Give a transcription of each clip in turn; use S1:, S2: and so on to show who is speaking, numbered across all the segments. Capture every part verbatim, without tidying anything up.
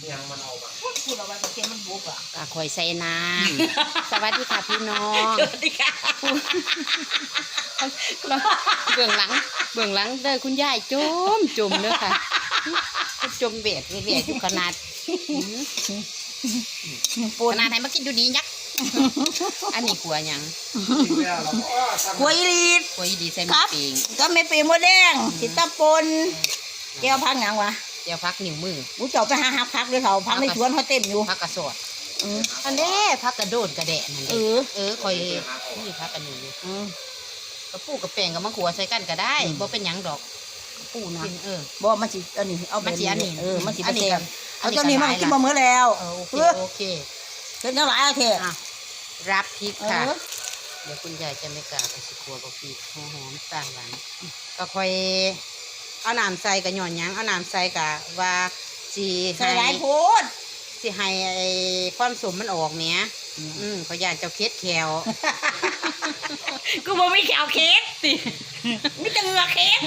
S1: ยังมันเอามา
S2: พูดเอาไว้ตะเกียงมันบุกอ่ะ
S3: กะข่อยใส่น้ำสวัสดีค่ะพี่น้อง
S2: สวัสดีค่ะ
S3: เบื้องหลังเบื้องหลังเด้อคุณยายจมจมเด้อค่ะจมเบียดเบียดอยู่ขนาดขนาดไหนมากินดูดียักษ์อันนี้ขัวยัง
S2: ขัวอีลีด
S3: ขัวอีลีใส่มะปีง
S2: ก็ไม่ปีมดแดงสิตาปนแก้วพักยังวะ
S3: แก้วพักนิ้วมือ
S2: กูเจ้าไปหาหักพักด้วยเขาพักในสวนเขาเต็มอยู่
S3: พักกระสอดอันนี้พักกระโดดกระแดะนั่นเองเออคอยนี่พักกันอยู่กระปูกระแป้งกับมะขัวใส่กันก็ได้บ่เป็นหยังดอกกระปูนะเออ
S2: บ่มันสิอันนี้เอา
S3: มันสิอันนี้
S2: เออมันสิอันนี้เอาตัวนี้มันกินมาเมื่อแล้ว
S3: โอเคโอเค
S2: เพิ่นเท่าไหร่เอาเถอะ
S3: รับพริกค่ะเดี๋ยวคุณยายจะไม่กล้าไปสิครัวกับพริกหอมๆต่างหลังก็ค่อยเอาน้ำใส่กับหย่อนยังเอาน้ำใส่กับว่าสี
S2: ใส่หลายโพด
S3: สิให้ความสมมันออกเนี้ยอืมเขาอยากจะเคสแขว
S2: กูบ่มีแขวเคสสิมีแต่เหงือเคส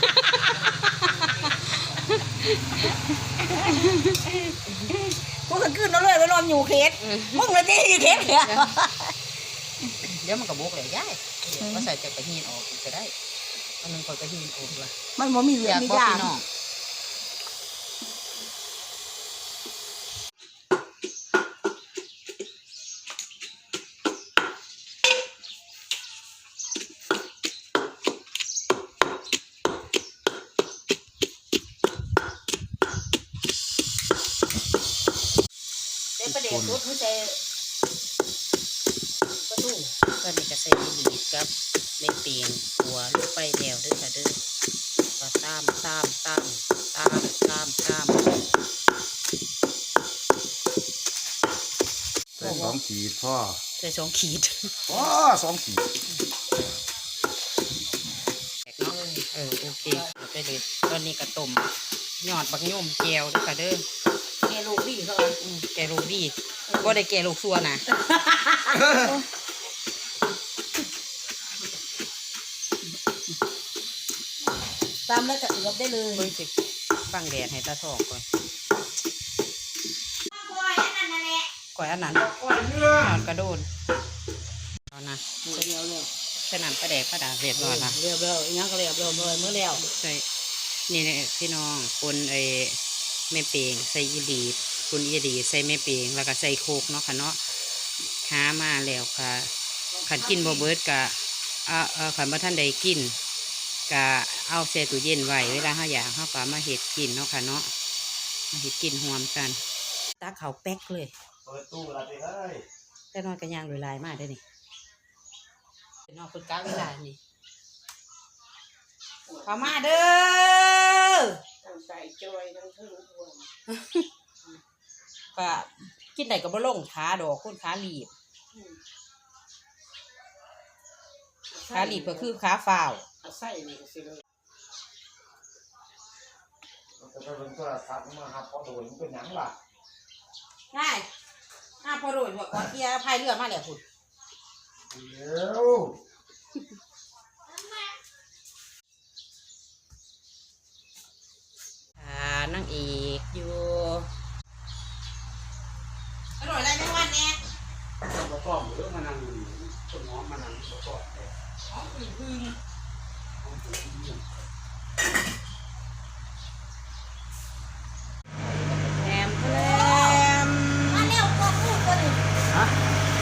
S2: กูก็ขึ้นแล้วเลยไปนอนอยู่เคสมึงเลยที่เคสเนี่ย
S3: เดี๋ยวมันก็บกเลยย่ายก็ใส่จากกระหินออกก็ได้อันนึงก็กระหินออกด้วย
S2: มันบ่มีเหลือมีด่างประเดี๋ยวรถไม่ใช่ประตู
S3: ก็นี่ก็ใส่ดีดกับเม็ดเปียงหัวลูกไปแถวด้วยค่ะเด้อก็ตามตามตามตามตามตาม
S1: ใส่สองขีดพ่อ
S3: ใส่สองขีด
S1: อ๋อสองขีด
S3: เออโอเคเอาไปเลยตอนนี้ก็ต้มยอดบักย่อมแก้วด้วยค่ะเด้อ
S2: แกลูกดีเขา
S3: แกลูกดีก็ได้แกลูกซัวนะ
S2: ตามแล้วจะเอือบได้เลย
S3: เพิ่งสิบังแดดให้ตาทองก่อนก่อยอันนั้นก่อยเนื้อกระโดดตอนนะ
S2: เรียบเลย
S3: ขนาดกระแดกกระดาษเรียบร้อยละ
S2: เรียบเลยยังก็เรียบเลยเมื่อแล้ว
S3: ใช่นี่เนี่ยพี่น้องคนไอ้แม่เปียงใส่ยีดีคุณยีดีใส่แม่เปียงแล้วก็ใส่โคกเนาะค่ะเนาะหามาแล้วค่ะขันกินบ่เบิดกะเอาเอาขันบ่ท่านใดกินกะเอาแช่ตู้เย็นไว้เวลาเขาอยากเขาก็มาเห็ดกินเนาะค่ะเนาะมาเห็ดกินหอมกันตาเขาแป๊กเลย
S1: เปิดตู้อะไรไปเลย
S3: แต่นอนกันยางลอยลายมากได้นี่เป็นนอนคนก้าวเวลานี่เข้ามาเด้อ
S2: ใส่จอยทั้งทั้งรวม
S3: ก็กินไหนก็บ่ลงขาดอกคนขาหลีบขาหลีบก็คือขาฝ่าว
S2: ใส่นี่ก็สิเลย
S1: จะเป็นตัวทัดมาหาพอโดยมันเป็นหยังล่ะ
S3: ง่ายห้าพอโดยหัวก้อนเกียร์พายเรือมาแล้วคุณ
S1: เดี๋ยว
S3: นั่งอีกอยู่อร่อยอะไรไม่วันเนี่ย
S1: เราต้องเรื่องมานั่งต้นหอมมานั่งเราต้อง
S3: หอมพึ่งพึ่งแหมแหม
S2: มาเร็วก็พูดกันฮะ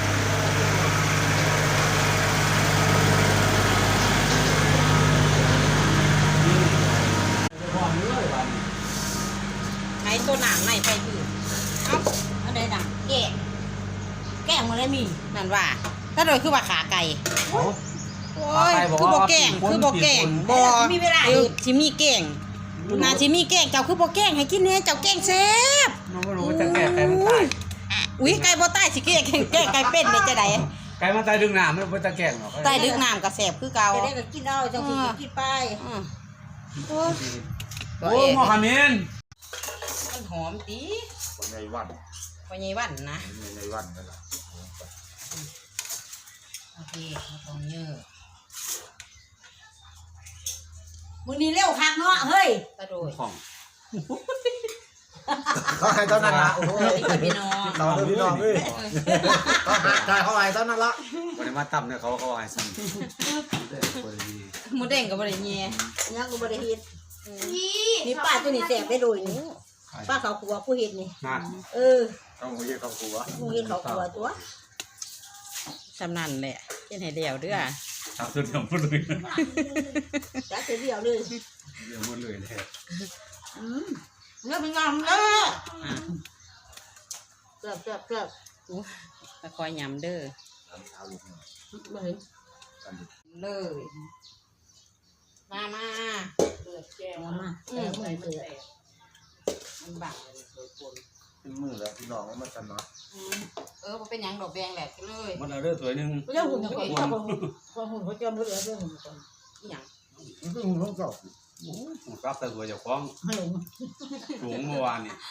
S3: ไอ้ตัวหนังไหนไปถือเอ้า
S2: อะไรหนังแกะแกะมาเลยมี
S3: นั่นว่าถ้าโดยคือว่าขาไก่โอ้ยคือโบแกงคือโบแกงบอ
S2: มีเวลา
S3: ชิมีแกงนาชิมีแกงเจ้าคือโบแกงให้กินเนี่ยเจ้าแกงแซ่บ
S1: น้องไม่รู้จะแก่ไก่มันตาย
S3: อุ้ยไก่โบใต้สิแกงแกงไก่เป็นเนี่ยจะได้
S1: ไก่มันตายดึงน้ำมันเป็นตะแกงหรอ
S3: ใต้ดึงน้ำกระแสบคือเก่า
S2: จะได้ก็กินเอาจังสิกินไป
S1: โอ้หมอขมิ้น
S3: มันหอมดี
S1: วันในวัน
S3: วันในวันนะ
S1: ในวันนั่นแหละ
S3: โอเคมาตรงเยอะ
S2: มึงนี่เร็วคักเนาะเฮ้ย
S3: ตะโดย
S1: ของเขาให้ตอนนั้นละโอ้ย
S3: พี่น้อง
S1: ต่อพี่น้องเอ้ยเขาหาใจเขาให้ตอนนั้นละ
S4: วันนี้มาตั้มเนี่ยเขาเขาให้ซ้ำได้คนดี
S3: หมูเด้งกับบริเงีย
S2: ยังกูบ่ได้เฮ็ดนี่ป้าตัวนี้แสบได้โดยนี่ป้าเขาครัวผู้เฮ็ดนี่
S4: นั่น
S2: เออ
S4: ต้องมาเยี่ยมครอบครัว
S2: ผู้เฮ็ดเขาครัวตัว
S3: สำนันแหละเช่นให้เดียวเด้อ
S4: ทำตัวเดียวหมดเลย
S2: จักเดียวเลย
S4: เดียวหมดเลยแท้
S2: อืมเนื้อเป็นงามเด้อเกือบเกือบเกือบ
S3: มาคอยยำเด้อ
S2: มาเห็น
S3: เลยมามา
S2: มามาเออมือเสือ
S3: มันบัง
S1: เป็นมือแล้วพี่น้องมันกันเนาะ
S3: เออมันเป็นยังดอกแดงแหลกเลย
S4: มันเอาเรื่องสวยหนึ่ง
S2: เรื่องหุ่นเขาเขาเขาหุ่นเขาจำเรื่องเรื่องหุ่นก่อน
S3: อย่าง
S1: มันคือหุ่นของเก่า
S4: ผมรับแต่ตัวเจ้าของ
S2: ให้ลง
S4: สูงเมื่อวานนี่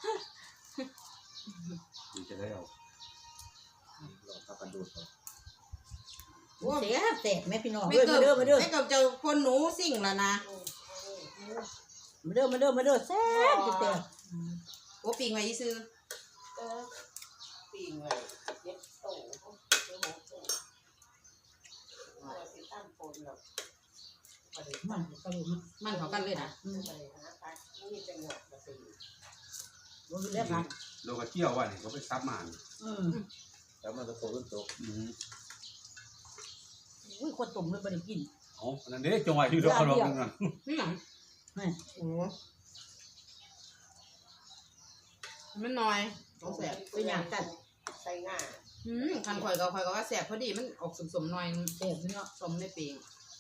S4: จะได้เอา
S1: เราตะกันดูด
S2: เสียแสบแม่พี่น้อง
S3: ไม่
S2: เด้อ
S3: เกิ
S2: มาเด้อมาเด้อ
S3: ไม่เกิดจะคนหนูสิ่งแล้วนะ
S2: มาเด้อมาเด้อมาเด้อแซ่บแซ่บ
S3: โอ้ปิงไว้ซื้อ
S5: ปีนไว้เย็บโตเย็บโตว่าสิตั้งปนแล้วบ่ได้
S2: มันก็รู้
S3: มันเขากันเลยนะ
S5: บ่ได้หาปลานี่เป็นหยอกบ่สิ
S2: มันเรียกกัน
S4: เราก็เที่ยวว่านี่เขาไปซับมา
S2: อืม
S1: แล้วมันจะโตขึ้นโต
S4: อืม
S2: อุ้ยคนตุ่มเลยไม่ได้กิน
S4: เอาอันนั้นเด้จงไว้ที่เราเขาลองกัน
S3: นี่หยัง
S2: แม่
S3: โอ้มันน้อยต้องแสบ
S2: เป็นอย่างกัน
S5: ใส่หน้า
S3: อืมคันข่อยก็ข่อยก็ว่าแสบพอดีมันออกสมๆหน่อย
S2: แซ่บเนาะ
S3: สมในปิง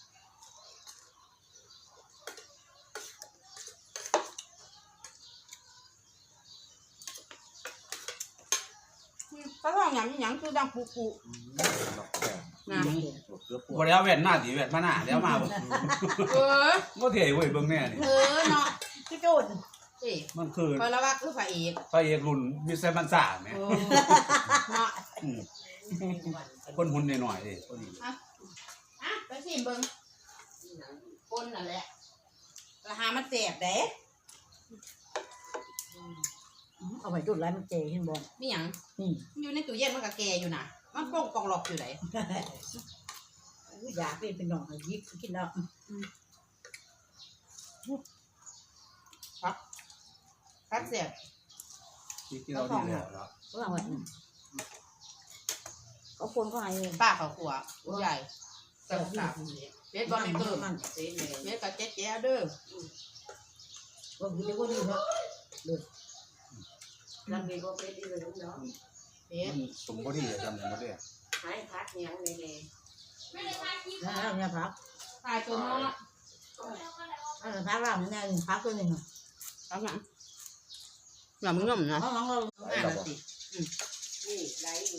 S3: ก็ลองยำยังคือดังปุกุ
S1: หลอกแก่
S3: นะ
S1: เกือบปว
S4: บ่
S1: ด
S4: ได้เอาแว่นหน้าตีแว่นมาหน้าแล้วมาบ่
S3: เออ
S4: บ่เท่เว้ยเบิ่งแน่นี่
S3: เออเนาะ
S2: พี่โจน
S3: เอ้
S4: มันคือ
S3: คอยละว่าคือพระเอก
S4: พระเอกรุ่นมิสเตอร์มันซ่าแหม
S3: เออเนาะ
S4: อืมคนหุ่นหน่อยๆเด้คนนี้
S3: อ่ะไปสิเบิ่งคนนั่นแหละราคามันแสบเด้
S2: เอาไปจุดไรมันเจเห็นบ่
S3: นี่หยัง
S2: นี่
S3: อยู่ในตู้เย็นมันก็แก่อยู่น่ะ มันป้องกองหลอกอยู่ไหน
S2: อยากเป็นเป็นน้องยิบกินแล้ว
S3: พักเสียบ
S4: ที่ที่เราดีแล้วเนาะ
S2: ก็ว่าเขาคนก็ให้
S3: ป้าเขาขัวผู้ใหญ่กับกับเบ็ดบอลไม่เกิน
S2: มัน
S5: เสียเลย
S3: เบ็ดกับเจ๊เจ๊เด้อ
S2: ก็คือจะก็ดีเนาะ
S5: ลำนี้บ่เป็นอีหลีเนาะ
S3: เบ็ด
S4: มันสมบ่ดีจำบ่ได้
S5: หายพักหยังแน่
S2: นะเนี่ยพัก
S3: ตายตัวเนาะ
S2: อันนั้นพักเราเนี่ยพักตัวหนึ่ง
S3: เอาหนังหนังมึงง่มนะ
S2: น้องเรา
S3: อ่านสิ
S5: ๆนี่ไหลอยู่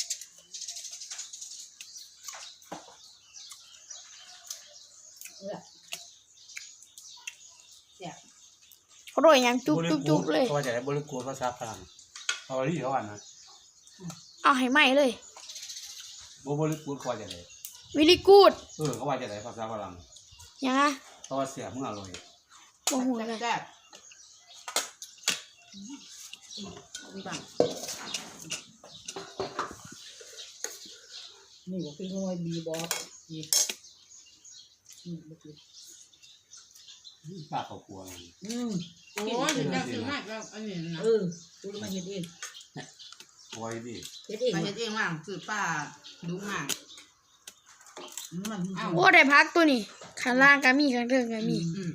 S6: เขาโดยยังจุกจุกจุกเลย
S4: เขาจะได้บริกูภาษาฝรั่งเขาที่เขาอ่านนะ
S6: เอาให้ไหมเลย
S4: บ่บริกูเขาจะได้
S6: วิลิกูด
S4: เออเขาว่าจะได้ภาษาฝรั่ง
S6: ยังไง
S4: เขาว่าเสียมึงอร่อย
S6: โอ้โหเลย
S3: แซ่บมีบัง
S2: นี่ก็คือมวยบีบอกนี่อืม
S4: ป้าเขากลัว
S2: อืม
S3: โอ้ยถึงจะซื้อมากแล้วอันนี้นะ
S2: เออดูมาเห็ดเอง
S4: ไว้ดิ
S2: เห็ดเอง
S3: มาเฮ็ดเองว่างซื้อป้าดูมาก
S2: มัน
S6: โอ้ได้พักตัวนี้ข้างล่างก็มีข้างเทิงก็มี
S3: อืม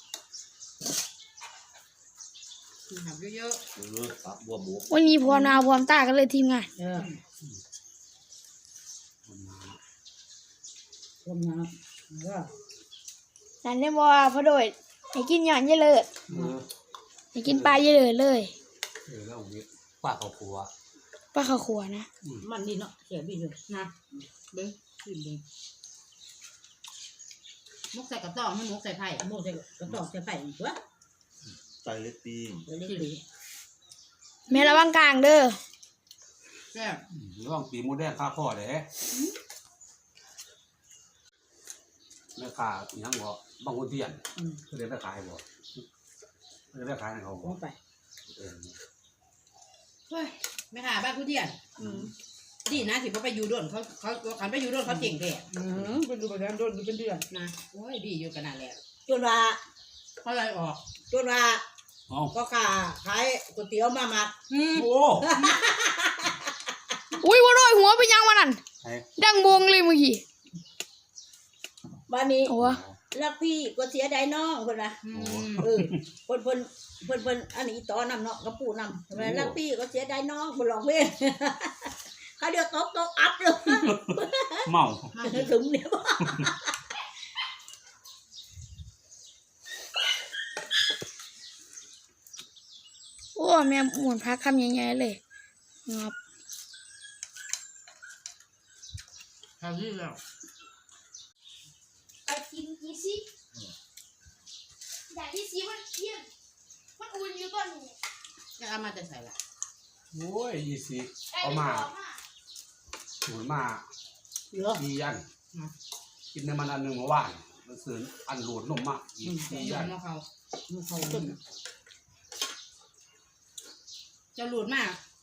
S3: หับเยอะ
S1: เออปักบัวบก
S6: วันนี้พร้อมหน้าพร้อมตากันเลยทีมงาน
S2: เออคนนะเออ
S6: นั่นได้บอกว่าพอโดยให้กินหย่อนเยอะเลย
S4: เออ
S6: ให้กินปลาเยอะเลยเลย
S4: เออแล้ววิป้าเขากลัว
S6: ปลาข้าวขัวนะ
S2: มันดีเนาะเสียบีเลย
S3: ๆนะเบิ้งขึ้นเบิ้งมุกใส่กระต่องให้มุกใส่ไผ่
S2: โม่ใส่กระตอกใส่ไผ่อีกวะ
S1: ใจเล็กตีน
S2: เล็กดี
S6: แม่ระวังกลางเด้อ
S3: แซ่บ
S4: ระวังปีมูแดงค่าข้อเด้แม่ค้าอีหยังบ่บางคนเทียน
S2: อืม
S4: เขาได้ไปขายบ่เขาได้ไปขายให้เขา
S2: ล
S4: บ่
S2: งไป
S5: เฮ้ยไม่หาบ้านผู้เดียน
S2: อืม
S5: ดีนะสิเขาไปอยู่ด้วนเขาเขาขันไปอยู่ด้วนเขาเจ๋งแท้
S2: อืมเป็นดูแบบนั้นโดนเป็นเดือน
S5: นะโอ้ยดีอยู่ขนาดแล้ว
S2: จนว่า
S5: เขาเลยออก
S2: จนว่า
S4: เอา
S2: ก็ขาขายก๋วยเตี๋ยวมามา
S5: อืม
S4: โอ้
S6: อุ้ยว่าโดยหัวไปยังวันนั้น
S4: ไอ้
S6: ดังบงเลยเมื่อกี้
S2: บ้านนี้
S6: โอ้
S2: รักพี่ก็เสียดายน้องคนละ
S5: อืม
S2: เออเพิ่นเพิ่นเพิ่นเพิ่นอันนี้ต่อนำเนาะกับปู่นำทำไมรักพี่ก็เสียดายน้องบ่ร้องเพลง เขาเดียวตกตกอัพเลย
S4: เมา
S5: มา
S2: ถึงเนี่ยบ่
S6: โอ้แม่หมุนพักคำใหญ่ๆเลยงับ
S5: ทำนี่แล้ว
S6: ไปกินอีซิอยากอีซิมันเที่ยงมันอุ่นอยู่ต้นนี้
S5: จะเอามาจะใส่ละ
S4: โอ้ยยี่สิเอามาหมุนมา
S2: เหลือ
S4: สี่อันกินในมันอันหนึ่งเมื่อวานมันซื้ออันโหลดนมมาอีกสี่
S5: ยั
S4: อั
S5: น
S4: น
S5: มาเขา
S2: มันเข้าต้น
S5: จะหลุดมาก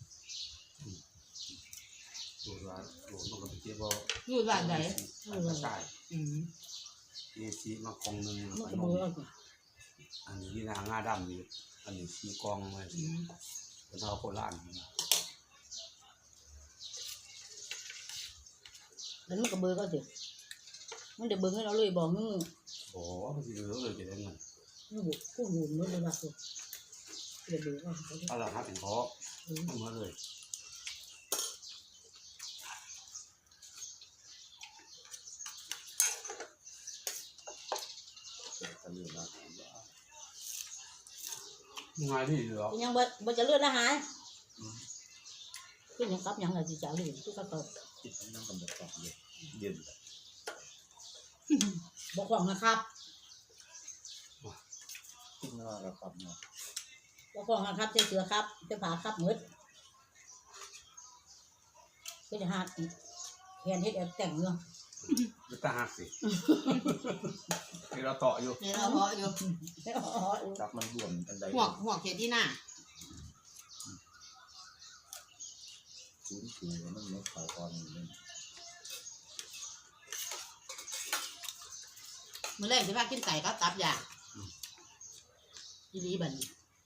S4: โหลดว่าโหลดนมกับเจี๊ยบ
S5: หลุดว่าไหน
S4: อันกระชาย
S5: อืม
S4: ยี่สิมาคงหนึ่ง
S2: มัน
S4: อั
S2: ก็
S4: น
S2: เบื่อ
S4: อันนี้นางงาดำนี่อันนี้สีกองเลย
S5: อืม
S4: เป็นเอาโคราช
S2: แล้วมันก็เบื่อก็สิมันได้เบิ่งให้เราเลยบอกมึง
S4: โอ้มันสิเหลือเลยจะได้เงิน
S2: มึงบ่กูหูมันเลยว่ากูเดี๋ยวเบื่อก็เขาจะ
S4: เอาละครับเป็นเพราะเอามาเลยยังไงนี่เหรอ
S2: ยังบ่บ่จะเลือดละหายคือยังกลับยังล่ะสิจ๋าเลยคือก็ก็
S1: คิดนั่งกันแบบต่อเลยเย็น
S2: บ่ของนะครับ
S1: คิดว่าเราขับเนาะ
S2: บ่ของนะครับใส่เสือครับใส่ผ้าครับหมดก็จะหาแขนเฮ็ดแอบแต่งเนาะ
S4: จะตาหักสิที่เราต่ออยู่
S5: เนี่ยเราเพาะอยู่
S1: จับมันรวมอันใด
S5: หัวหัวเขียนที่หน้า
S1: ศูนย์สี่มันไม่เขาตอนนี้
S5: มื่อแรกที่ว่ากินไก่ก็ตับอย่างอีรีบัดน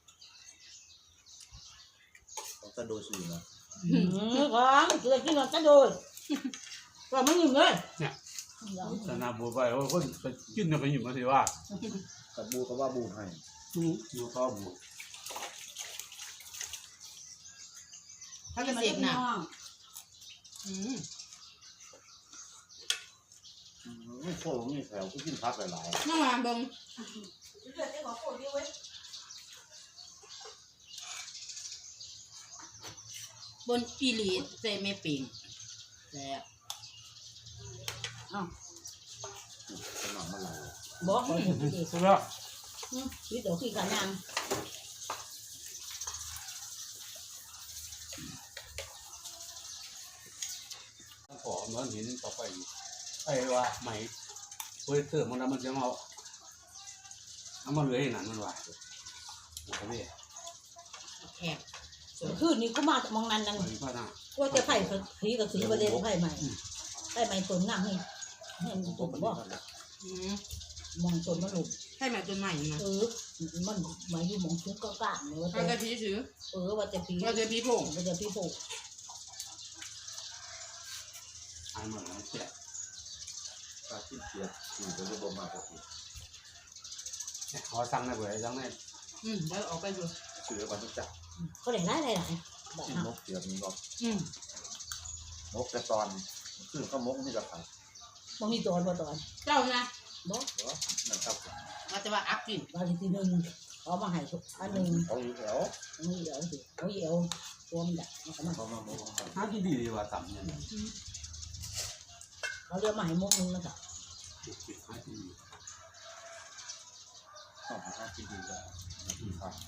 S1: ต้องกระโดดสูงนะ
S2: อืมของเสือกินก่อนจะโดนก็ไม่ยิ้มเลย
S4: สนาบัวไปว่าคนไปกินเนี่ยไปหยิบมาสิว่า
S1: กับบูก็ว่าบูให้
S4: อยู่ข้าวบัว
S5: เขาจะเสพหนักอืม
S1: ไม่โค้งนี่แถวก็กินพักหลาย
S5: น้องมาเบิ่งบนอีหลีเซเมปิงแล้ว
S1: ๆสนองมันหลาย
S2: บอกขอให้ดี
S4: สุดแล้ว
S2: ชีวิตเดี๋ยวขี้กันยัง
S4: ขอเหมือนหินต่อไปไอ้ว่าไหมเฮ้ยเติมมันมันจะเอาเอามาเหลือให้หนันมันว่าโอ้โห
S5: แขก
S2: คืนนี้กูมามองนั้นนั่น
S4: ไปพ่อหน้า
S2: ว่าจะไผ่ผีกับสีประเด็นไผ่ใหม่ไผ่ใหม่ตนนั่งให้ให้มันตนบ่
S5: อืม
S2: มองตนมันหลุด
S5: ให้มาจนใหม่มา
S2: เออมันหมายอยู่มองชุกก็กล้าเนี่ยว่า
S5: เขา
S2: จะ
S5: จะพีซื้อ
S2: เออว่าจะผี
S5: เขาจะพีผง
S2: ว่าจะผีโผล่
S4: หายหมดแล้วแจก
S1: ถ้าคิดเสียสี่ก็จะบ่มากกว่าสี่
S4: ขอสั่งได้เบื่อสั่งได้
S5: อืมแล้วออกไปดู
S1: เสือวันทุกจับ
S2: เขาได้หลายหลายหลายแบบ
S1: กิน
S2: นั้น
S1: นกเสียมีก็
S5: อืม
S1: นกกระตอนซึ่งข้าวมกนี่จะขาย
S2: มันมีตอนบ่ตอน
S5: เจ้านะ
S2: บ่
S1: เหรอนั่นครับ
S5: ว่าจะว่าอัพกิน
S2: บางทีหนึ่งเอามาให้อันหนึ่ง
S1: เขาอยู่แถว
S2: เอาเหี่ยวสิเอาเหี่ยวตัวมันใหญ่มันก็มา
S1: เขามาโมก
S4: หาที่ดีดีว่าต่ำเนี่ย
S2: เขาเรียกมาให้มุกนึงนะครับ
S4: หาที่ดี
S1: เขาหากินดีกว่ากินข้าว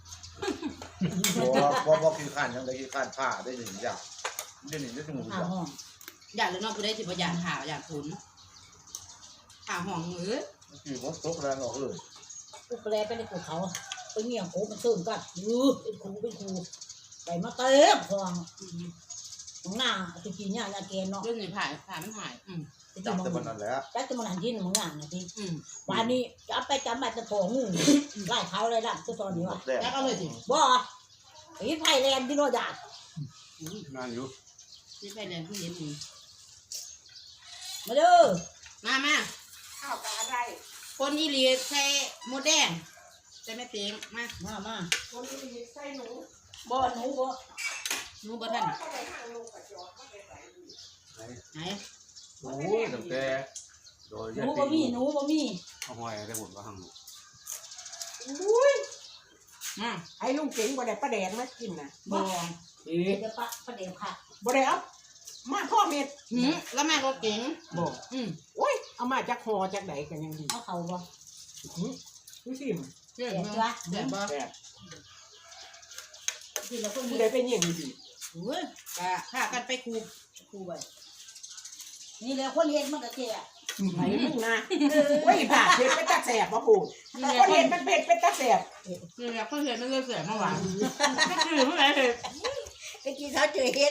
S1: บ่บ่กินข้าวยังได้กินข้าวผ้าได้หนึ่งอย่างได้หนึ่งได้หนึ่งอ
S2: ข้าว
S1: ย่าง
S2: ห้อง
S5: อยากเลยน้องกูได้สิบอยากข่าวอยากผลข่าวห่องมือ
S1: คือมดตกแรงออกเลย
S2: กูแปลไปในกูเขา
S5: อ
S2: ไปเงี่ยงโคมันตื่นกันเออเป็นครูเป็นครูไปมาเต็มคลองของหน้าตะกี้เนี่ยยาแกนเนาะ
S3: เรื่องนี้ผ่านผ่านมันหายอืม
S1: จับแต่บนนั้นแหละ
S2: จักจะมาหันที่มึงงานนะที
S3: อืม
S2: วันนี้จับไปจับมาจะโถงูไล่เขาเลยล่ะตัวตอนนี้วะ
S1: แดง
S3: แล้วก็เลยสิ
S2: บ่ไอ้ไผ่แลนด์ที่โนดา
S4: งานอยู่
S3: ที่ไปเรียนที่เรียนดี
S2: มาเด้อ
S3: มามา
S5: ข้าวกับอะไร
S3: คนอีหลีใส่หมดแดงใส่แม่เปียงมา
S2: มามา
S5: คนที่ใส่หนู
S2: บ่หนูบ่
S3: หนูบ่ทัน
S5: ก็ไปทางลูกกับจอดก็ไปใส่ดู
S3: ไหน
S4: โอ้ยตั้งแต่โดย
S2: หนูบ่มีหนูบ่มี
S4: เอาห้อยได้หมดว่าหั่ง
S5: อุ้ย
S3: มา
S5: ไอ้ลุงเก่งบ่ได้ประแดงมากินน่ะ
S2: บ่
S5: เอ๊ะ
S2: เดี๋ยวปะประเดี๋ยวผัก
S5: บ่ได้เอามาพ่อเม็ด
S3: หืมแล้วแม่ก็เก่ง
S5: บ่
S3: อืม
S5: โอ้ยเอามาจากหอจากไหนกันยังดี
S2: เอาเขาบ่
S5: หือดูสิม
S3: เจ๋งบ่เจ๋งบ่
S5: แบบ
S2: ที่เราคน
S5: ผู้
S2: นี้
S5: ใดเป็นอย่างดี
S3: โอ้ยกะพากันไปคู
S2: ครูไปนี่แหละคนเฮ็ดมันก็แก่
S5: ไหนมึงนะโอ้ยผ่าเผ็ดเป็นตาแสบบ่พูด
S3: นี่แหละ
S5: คน
S3: คน
S5: เห็นมันเผ็ดเป็นตาแสบ
S3: นี่แหละคนเห็นมันเลยเสียเมื่อวานก็คือเมื่อไหร่เลย
S2: ไปกินเขาเจอเฮ็ด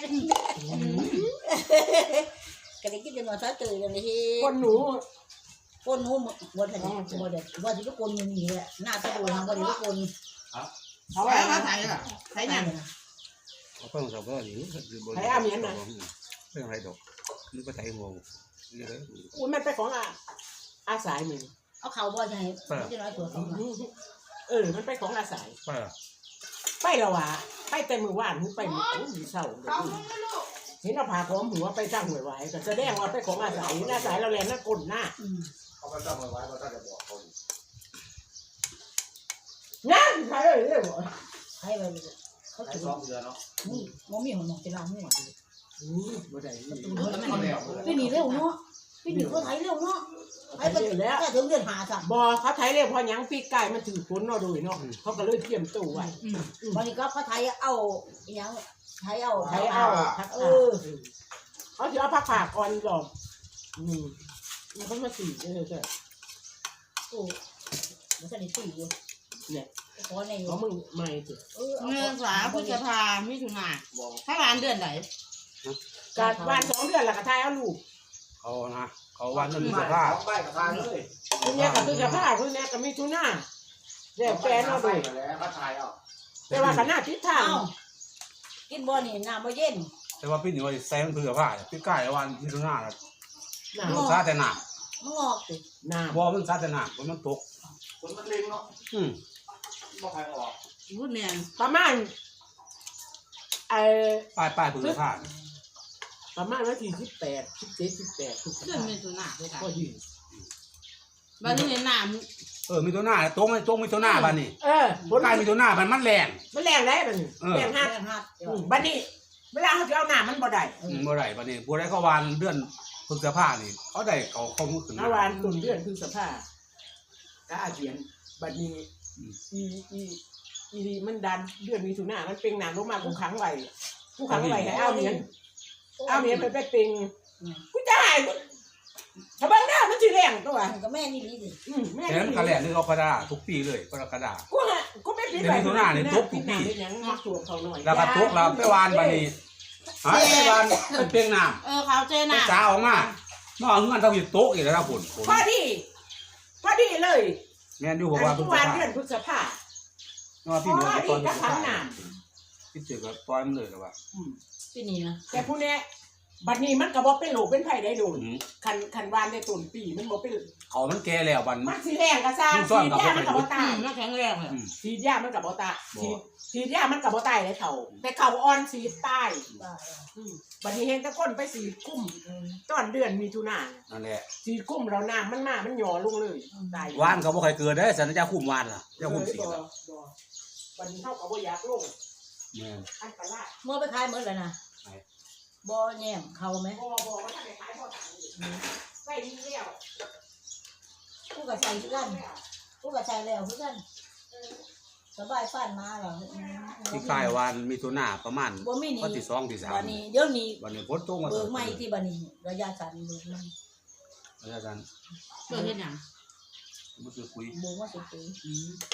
S2: ก็ได้กินจนว่าเขาเจอเลยเฮ็ด
S5: คนหนู
S2: คนหนูบ่ทันบ่ได้ว่าสิทุกคนอยู่นี่แหละหน้าตะโดนบ่ได้ทุกคน
S5: เขา
S3: ใส่
S5: ว่า
S3: มาใส่ละใส่ยัง
S4: เขาต้องสับว่าอยู่คือบ่
S5: ใครเอาเมียนน่ะ
S4: เรื่องอะไรดอกนี่ก็ใส่งงนี่เลย
S5: อุ้ยมันเป็นของอาอาสายมึง
S2: เอาเขาบ่ใช่จะน้อยตัวเขา
S5: เออมันเป็นของอาสาย
S4: ไปอ่ะ
S5: ไปและวะไปแต่มือว่านหูไปมือโอ้ยเศร้าเดี๋ยวนี้เห็นเอาผ่าของหัวไปสร้างหวยไว้ก็แสดงว่าไปของอาศัยอาศัยเราแลนนักกลหน้า
S1: เขาก็ต้องมาไว้เขาจะบอกเขา
S5: นั่นใครเลยเรื่อง
S2: ให้ไปเขา
S1: ให้
S2: ถือ
S1: ซ้อมเรือเนาะ
S2: นี่บ่มีหัวหนองจะล้างหัว
S5: นี่บ่ได้นี่
S1: เขาแล้ว
S2: ไปหนีเร็วเนาะไปหนีเขาไถเร็วเนาะไถไปแล้วถึงเดือนหาสั่ง
S5: บอเขาไทยเรียกพอยังปีกไก่มันถือฝนเนาะดูเนาะเขาก็เลยเตรียมตู้ไว้
S3: อืม
S2: วันนี้ก็เขาไถเอาอย่างไถเอา
S5: ไทยเอาพัก
S2: เอ
S5: เอ
S2: อ
S5: อเขาถือเอาผักผักอ่อนก่อนอืมมันก็มาสีเออใช่
S2: โอ้มันสนิทตีอยู่
S5: เนี่ย
S2: ขอใน
S5: เขามึงไม่สิ
S2: เออ
S3: เงินสาพฤษภามิถุนาถ้าร้านเดือนไหน
S5: การวันสองเดือนละก็ไทยเอาลูก
S4: เขานะเขาวันนั้นมีสภาพ
S1: ไปกับทางเลย
S5: คุณแม่กับคือจะผ้าคุณแม่กับมีทุน่าเรียกแฟนเอา
S1: ไป
S5: ดู
S1: แล้วก็ถ่ายเอา
S5: แต่ว่าขนาดทิศทาง
S2: เอ้ากินบ่นี่น้ำบ่เย็น
S4: แต่ว่าพี่หนูใส่มันเผื่อผ้าพี่ใกล้วันที่ตรงหน้าแล้ว
S5: หนา
S4: มันซาแต่หนัก
S2: มันงอกสิ
S5: หนา
S4: บ่มันซาแต่หนักเพราะมันตก
S1: คนมันเล็งเนาะ
S4: อืม
S1: บอกใครออก
S3: พูดแมน
S5: ประมาณเอ่อ
S4: ป้ายป้ายเผื่อผ้า
S5: ประมาณวันที่สิบแปดสิบเจ็ดสิบแปดทุกค
S3: เดือนมิถุนาด้วยกัน
S5: ก็ยืน
S3: วันนี้เห็นหน้า
S4: เออมีตัวหน้าตกไม่ตกมีตัวหน้าบ้านนี่
S5: เออ
S4: ผลกายมีตัวหน้ามันมันแรง
S5: มันแรงได้บัดนี้
S4: เออ
S5: แรงหัก
S2: แรงหัก
S5: อืมบัดนี้เวลาเขาจะเอาหน้ามันบ่ได้
S4: อืมบ่ได้บ้านนี้บ่ได้เขาวานเดือนพฤษภานี่เขาได้เขาเขามือขึ้น
S5: เมื่อวานตุนเดือนคือสภาพก็อาเจียนบัดนี้อีอีอีนี่มันดันเดือนมีถุนามันเป็นหนามลงมากูขังไว้กูขังไว้ให้เอาเมียนเอาเมียนไปไปเป็นกูจะหายกูถ้าบังหน้ามันสิแรงตัว
S2: มันก็แม่นี่ดีสิ
S5: อืมแม่
S4: แต่นั้นกระแหลกนี่เขากระดาทุกปีเลยกระดา
S5: กูฮะกูไม่ปิด
S4: เดี๋ยวมีถุนานี่ทุบทุกปี
S5: ปิดหยังมาตัวเขาหน่อย
S4: แล้วก็ตกแล้วไปวานบ้านนี้หายไปวานเป็นเปียงน้ำ
S3: เออเขาเจ
S4: ไป
S3: น่ะ
S4: จ้าออกมาเมื่อเงินเท่าอยู่โต๊ะอีกแล้วนะผลผล
S5: พอดีพอดีเลย
S4: แม่นอยู่บอก
S5: อั
S4: ว่าน พฤ
S5: ทุ
S4: ษ
S5: กวัน
S4: ภา
S5: เดือนพฤษภา
S4: เนาะ
S5: พ
S4: พี่หนู
S5: อ
S4: ต
S5: ดี
S4: อนพฤ
S5: ก็
S4: ษ
S5: ขั
S4: ภาง
S5: หนาม
S4: คิดเจอกับปล่อยมันเลยหรอวะ
S2: ปีนี้นะ
S5: แต่ผู้เนี้ยบัดนี้มันก็บ่เป็นโรคเป็นไผได้โดน
S4: อืม
S5: คันคันวานในต้นปีมันบ่เป็น
S4: เขามันแก่แล้วบัน
S5: มันสีแดงก็ซ่า
S4: มันซ่อน
S5: สี
S4: กับ
S5: ยามันกับ
S4: บ่
S5: บ่
S4: ไป
S5: ตาย
S3: น่าแข็งแรงเลย
S4: อืม
S5: สียามันกับบ่ตาย
S4: บ่
S5: สีสียามันกับบ่ตายเลยเขาแต่เขาอ่อนสีตาย
S2: บ้า
S5: อืมบัดนี้เห็นแต่คนไปสีกุ้มตอนเดือนมีถุนา
S4: นั่นแหละ
S5: สีกุ้มเราน้ำมันมามันหย่อลงเลยตายว
S4: านเขาบ่เคยเกิดได้สันจะคุ้มวานล่ะจะคุ้มสี
S5: บ่
S4: ล่ะ
S5: บ่บัดนี้เฮาก็บ่อยากลง
S4: แม่น
S5: อันตราย
S2: เมื่อไปขายหมดเลยนะบ่แยมเขาไหม
S5: บ่บ่ว่าถ้าได้ขายบ่ตายใส่ดีแล้ว
S2: กูก็ใส่คือกันกูก็ใส่แล้วคือกันสบายฟันมาหรอ
S4: ที่คายวานมีตัวหน้าประมาณ
S2: บ่มีนี่
S4: วันที่สองที่สาม
S2: วันนี้เดี๋ยวนี้
S4: วันนี้ฝนตกมา
S2: เบิกใหม่ที่บัดนี้ระยะสั้นเบิกใหม่
S4: อาจารย์
S3: เจอเห็นยัง
S4: มันคือคุย
S2: เบิกมาสุดปี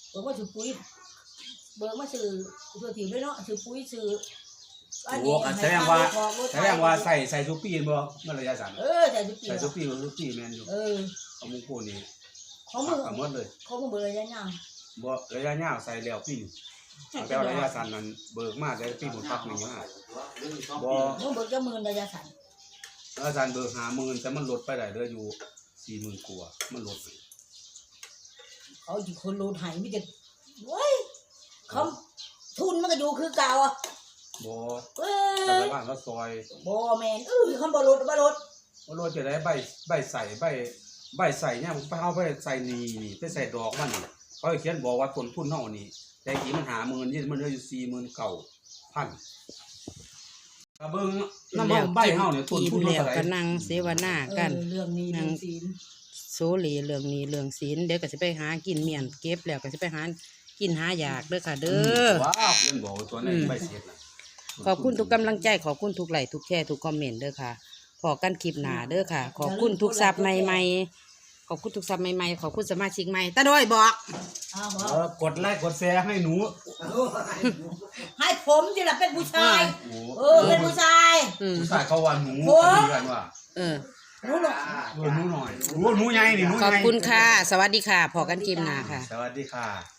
S2: เบิกมาซื้อปุ๋ยเบิกมาซื้อตัวถิ่นด้วยเนาะซื้อปุ๋ยซื้อ
S4: โอ้แสดงว่าแสดงว่าใส่ใส่ทุกปีบ่เมื่อระยะสั้น
S2: เออใส่ทุกปี
S4: ใส่ทุกปีมันทุกปีแม่นอยู่
S2: เออ
S4: เอามุงโคนี่
S2: เขามึง
S4: เอาหมดเลย
S2: เขามึงเบิกระยะยาว
S4: บ่ระยะยาวใส่แล้วปีแต่ระยะสั้นนั้นเบิกมาได้ปีหมดพักหนึงอ่ะบ่
S2: มึงเบิกจะหมื่นระยะสั้น
S4: ระยะสั้นเบิกห้าหมื่นแต่มันลดไปได้เหลืออยู่สี่หมื่นกว่ามันลด
S2: เขาจีคนรูดหายไม่จะเว้ยเขาทุนมันก็อยู่คือเก่าอ่ะ
S4: บ่
S2: เว้
S4: แต่
S2: ย
S4: ละบ้านก็ซอย
S2: บ่แมนเออเขาบ่ลดบ่ลด
S4: บ่ลดจะได้ใบใบใส่ใบใบใส่เนี่ยไปเอาไปใส่นี่นี่ไปใส่ดอกมันนี่เขาเขียนบอกว่าต้นทุนเฮานี่แต่กี่มันหาหมื่นนี่มันเหลืออยู่สี่หมื่นเก้าพันกระเบิ่งน้ำเฮาใบเฮาเนี่ยต้น
S3: กิน
S4: ทุน
S3: แล้ว
S4: เท่าไหร่
S3: ก็นั่งเสวนากัน
S2: เออเรื่องนี้เรื่องศีล
S3: โซเลเรื่องนี้เรื่องศีลเดี๋ยวก็สิไปหากินเมียนเก็บแล้วก็สิไปหากินหาอยากเด้อค่ะ เด้อ
S4: ว้าวเขียนบอกว่าตัวนี้ใบเสียดน่ะ
S3: ขอบคุณทุกกำลังใจขอบคุณทุกไลค์ทุกแชร์ทุกคอมเมนต์เด้อค่ะพอกันคลิปหน้าเด้อค่ะ ขอบคุณทุกซับใหม่ๆขอบคุณทุกซับใหม่ๆขอบคุณสมาชิกใหม่ตาด้วยบอก
S2: อ้าว
S4: เออกดไลค์กดแชร์ให้หนู
S2: ให้ผมสิล่ะเป็นผู้ชาย
S4: โอ้
S2: เออเป็นผู้ชาย
S3: อืม
S4: ผู้ชายเขาว่าหนู
S2: โอ้
S4: เขาดีกันว่า
S3: เออ
S2: รู้หรอ
S4: เออหนูหน่อยโอ้หนูใหญ่นี่หนู
S3: ขอบ
S4: ใหญ่
S3: คุณค่ะ สวัสดีค่ะพอกันคลิปหน้าค่ะ
S4: สวัสดีค่ะ